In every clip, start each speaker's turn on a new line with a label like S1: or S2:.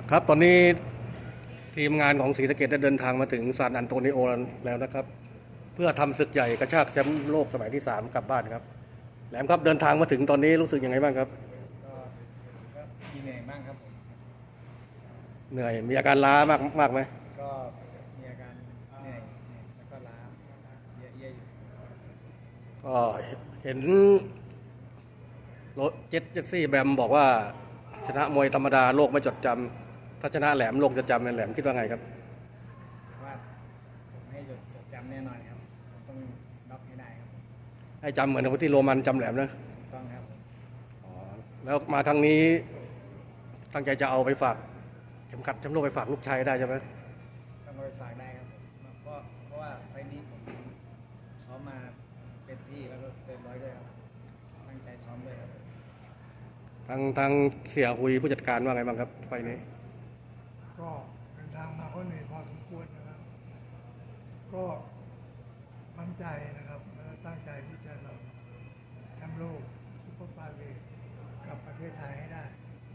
S1: ครับตอนนี้ทีมงานของศรีสะเกษได้เดินทางมาถึงซานอันโตนิโอแล้วนะครับเพื่อทำศึกใหญ่กระชากแชมป์โลกสมัยที่3กลับบ้านครับแหลมครับเดินทางมาถึงตอนนี้รู้สึกยังไงบ้างครับ
S2: ก็ก็มีเหนื่อยบ้างครับผม
S1: เหนื่อยมีอาการล้ามากไหม
S2: ก็มีอาการเหนื่อยแล้วก็ล้าเยอะๆอยู่
S1: ก็เห็นรถเจสซี่แบมบอกว่าชนะมวยธรรมดาโลกไม่จดจำถ้าชนะแหลมโลกจะจำแหลมคิดว่าไงครับ
S2: ว่าผมให้จดจำแน่นอนครับผมต้องน็อกให้ได้ครับ
S1: ให้จำเหมือนกับที่โรมันจำแหลมนะ
S2: ถูกต้องครับ
S1: อ๋อแล้วมาครั้งนี้ตั้งใจจะเอาไปฝากเข็มขัดแชมป์โลกไปฝากลูกชายได้ใช่ไหม
S2: ต้องเอาไปฝากได้ครับผมเพราะว่าไฟล์นี้ผมซ้อมมาเป็นที่แล้วก็เต็มร้อยด้วยครับตั้งใจซ้อมด้วยครับ
S1: ทางเสียหุยผู้จัดการว่าไงบ้างครับไฟล์นี้
S3: ก็เดินทางมาก็เหนื่อยพอสมควรนะครับ ก็มั่นใจนะครับและตั้งใจที่จะนำแชมป์โลกซุปเปอร์ไฟเวทกลับประเทศไทยให้ได้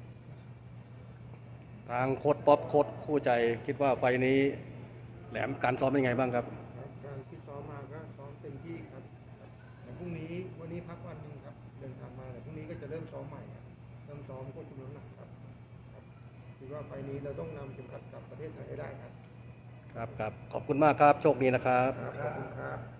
S1: ทางโค้ชป๊อปโค้ชคู่ใจคิดว่าไฟล์นี้แหลมการซ้อมเป็นไงบ้างครับ
S4: การที่ซ้อมมาก็ซ้อมเต็มที่ครับแต่พรุ่งนี้วันนี้พักวันหนึ่งครับเดินทางมาแต่พรุ่งนี้ก็จะเริ่มซ้อมใหม่ครับเริ่มซ้อมควบคุมน้ำหนักครับคิดว่าไฟล์นี้เราต้องนำเข็มขัดกลับประเทศไทยให้ได้ครับ
S1: ครับขอบคุณมากครับโชคดีนะครับ
S4: ขอบคุณครับ